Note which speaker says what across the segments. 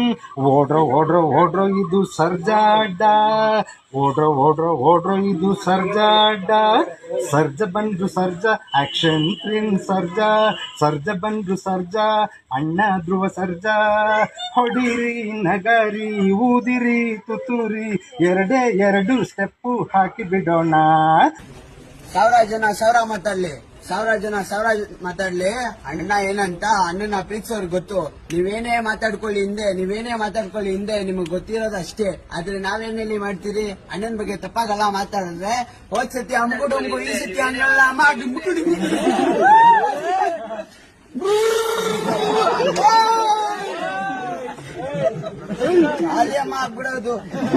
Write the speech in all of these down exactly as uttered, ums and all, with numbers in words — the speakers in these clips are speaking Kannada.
Speaker 1: ಓಡ್ರೋ ಓಡ್ರೋ ಓಡ್ರೋ ಇದು ಸರ್ಜಾಡ್ಡ, ಓಡ್ರೋ ಓಡ್ರೋ ಓಡ್ರೋ ಇದು ಸರ್ಜಾಡ್ಡ. ಸರ್ಜ ಬಂದ್ರು ಸರ್ಜ ಆಕ್ಷನ್ ಕ್ರೀನ್ ಸರ್ಜ, ಸರ್ಜ ಬಂದ್ರು ಸರ್ಜ ಅಣ್ಣ ಧ್ರುವ ಸರ್ಜ. ಹೊಡಿರಿ ನಗರಿ ಊದಿರಿ ತುತ್ತೂರಿ, ಎರಡೇ ಎರಡು ಸ್ಟೆಪ್ಪು ಹಾಕಿ ಬಿಡೋಣ.
Speaker 2: ಸಾವಿರ ಜನ ಸಾವಿರ ಮಾತಾಡ್ಲಿ, ಸಾವಿರ ಜನ ಸಾವಿರ ಮಾತಾಡ್ಲಿ, ಅಣ್ಣ ಏನಂತ ಅಣ್ಣನ ಪ್ರೀತಿಸೋರ್ಗೆ ಗೊತ್ತು. ನೀವೇನೇ ಮಾತಾಡ್ಕೊಳ್ಳಿ ಹಿಂದೆ, ನೀವೇನೇ ಮಾತಾಡ್ಕೊಳ್ಳಿ ಹಿಂದೆ, ನಿಮಗ್ ಗೊತ್ತಿರೋದು ಅಷ್ಟೇ. ಆದ್ರೆ ನಾವೇನಲ್ಲಿ ಮಾಡ್ತೀರಿ, ಅಣ್ಣನ ಬಗ್ಗೆ ತಪ್ಪಾಗಲ್ಲ ಮಾತಾಡಿದ್ರೆ. ಹೋದ್ ಸತಿ ಅಂಬುಡು ಈ ಸತಿ ಹಂಗಲ್ಲ ಮಾಡಿ ಅಮ್ಮ ಆಗ್ಬಿಡೋದು.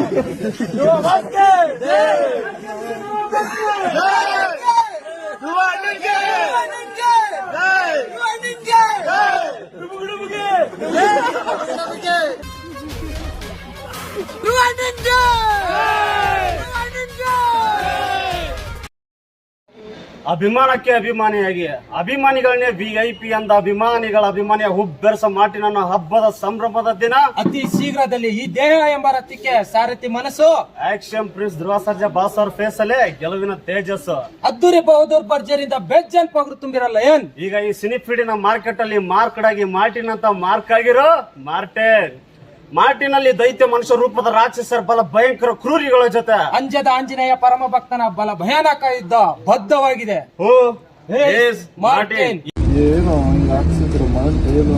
Speaker 3: ಅಭಿಮಾನಕ್ಕೆ ಅಭಿಮಾನಿಯಾಗಿ ಅಭಿಮಾನಿಗಳನ್ನೇ ವಿಐಪಿ ಅಂದ ಅಭಿಮಾನಿಗಳ ಅಭಿಮಾನಿಯ ಹುಬ್ಬೆರಸ ಮಾಟಿನ ಹಬ್ಬದ ಸಂಭ್ರಮದ ದಿನ
Speaker 4: ಅತಿ ಶೀಘ್ರದಲ್ಲಿ ಈ ದೇಹ ಎಂಬ ರಥಕ್ಕೆ ಸಾರಥಿ ಮನಸ್ಸು
Speaker 3: action prince Dhruva Sarja boss ಅವ್ರ ಫೇಸ್ ಅಲ್ಲೇ ಗೆಲುವಿನ ತೇಜಸ್ಸು.
Speaker 4: ಅದ್ದೂರಿ ಬಹದ್ದೂರ್ ಭರ್ಜರಿಯಿಂದ ಬೆಜ್ಜನ್ ಪಗರು ತುಂಬಿರಲ್ಲ ಏನ್.
Speaker 3: ಈಗ ಈ ಸಿನಿಫೀಡಿನ ಮಾರ್ಕೆಟ್ ಅಲ್ಲಿ ಮಾರ್ಕೆಟ್ ಆಗಿ ಮಾರ್ಟಿನ್ ಅಂತ ಮಾರ್ಕ್ ಆಗಿರೋ ಮಾರ್ಟೆನ್. ಮಾರ್ಟಿನಲ್ಲಿ ದೈತ್ಯ ಮನುಷ್ಯ ರೂಪದ ರಾಕ್ಷಸರ ಬಲ ಭಯಂಕರ ಕ್ರೂರಿಗಳ ಜೊತೆ
Speaker 4: ಅಂಜದ ಆಂಜನೇಯ ಪರಮ ಭಕ್ತನ ಬಲ ಭಯಾನಕ ಯುದ್ಧ ಬದ್ಧವಾಗಿದೆ.
Speaker 3: Who is Martin.
Speaker 1: ಏನೋ ಹಿಂಗ ಹಾಕ್ಸಿದ್ರು ಏನು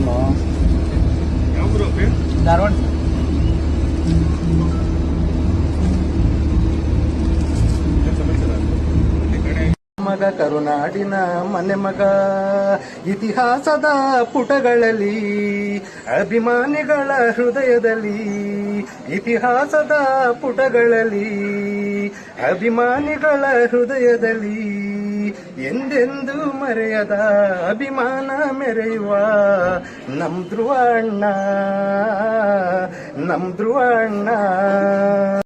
Speaker 4: ಧಾರವಾಡ
Speaker 1: ಮಗ ಕರುನಾಡಿನ ಮನೆ ಮಗ, ಇತಿಹಾಸದ ಪುಟಗಳಲ್ಲಿ ಅಭಿಮಾನಿಗಳ ಹೃದಯದಲ್ಲಿ, ಇತಿಹಾಸದ ಪುಟಗಳಲ್ಲಿ ಅಭಿಮಾನಿಗಳ ಹೃದಯದಲ್ಲಿ ಎಂದೆಂದೂ ಮರೆಯದ ಅಭಿಮಾನ ಮೆರೆಯುವ ನಮ್ ಧ್ರುವ ಅಣ್ಣ, ನಮ್ ಧ್ರುವ ಅಣ್ಣ.